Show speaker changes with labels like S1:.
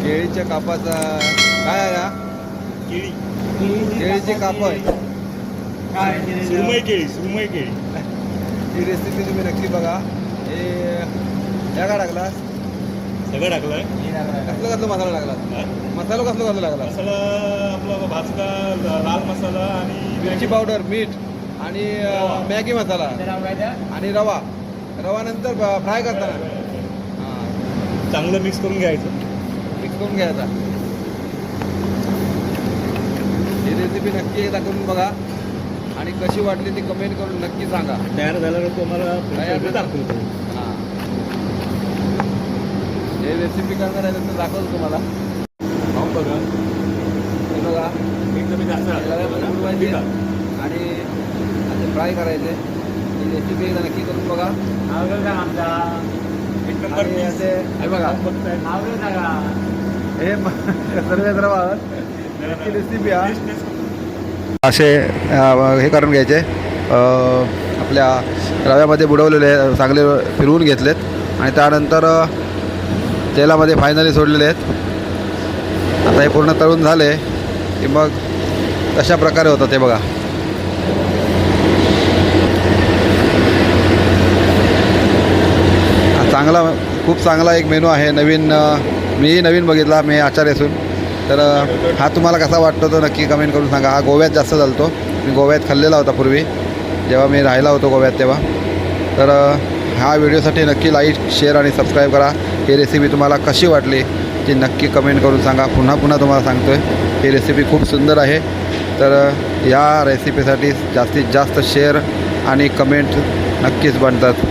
S1: केळीच्या कापाचा काय आहे हा? केळीचे काप आहे.
S2: सुरमई केळी
S1: ही रेसिपी तुम्ही नक्की बघा. हे ह्या काय टाकला?
S2: सगळं टाकलंय.
S1: कसलं मसाला टाकला? मसाला कसला लागला?
S2: मसाला आपला भाजका लाल मसाला आणि
S1: मिरची पावडर, मीठ आणि मॅगी मसाला आणि रवा. रवा नंतर फ्राय करताना
S2: चांगलं मिक्स करून घ्यायचं.
S1: मिक्स करून घ्यायचा. ही रेसिपी नक्की एकदा करून बघा आणि कशी वाटली ती कमेंट करून नक्की सांगा.
S2: तयार झाल्यावर तुम्हाला दाखवतो.
S1: हां, हे रेसिपी करणार आहे तर दाखवतो तुम्हाला.
S2: खाऊन बघा.
S1: हे बघा
S2: एकदम जास्त
S1: उडवायचे आणि असे फ्राय करायचे. ही रेसिपी एकदा नक्की करून बघा. आणि असे हे बघा हे सर्व रेसिपी असे हे करून घ्यायचे. आपल्या रव्यामध्ये बुडवलेले चांगले फिरवून घेतलेत आणि त्यानंतर तेलामध्ये फायनली सोडलेले आहेत. आता हे पूर्ण तळून झाले की मग कशा प्रकारे होतं ते बघा. चांगला, खूप चांगला एक मेनू आहे. मीही नवीन बघितला, मी आचार्य असून. तर हा तुम्हाला कसा वाटतो तो नक्की कमेंट करून सांगा. हा गोव्यात जास्त चालतो. मी गोव्यात खाल्लेला होता पूर्वी, जेव्हा मी राहिला होतो गोव्यात तेव्हा. तर ह्या व्हिडिओसाठी नक्की लाईक, शेअर आणि सबस्क्राईब करा. ही रेसिपी तुम्हाला कशी वाटली ती नक्की कमेंट करून सांगा. पुन्हा तुम्हाला सांगतो आहे ही रेसिपी खूप सुंदर आहे. तर या रेसिपीसाठी जास्तीत जास्त शेअर आणि कमेंट नक्कीच बनतात.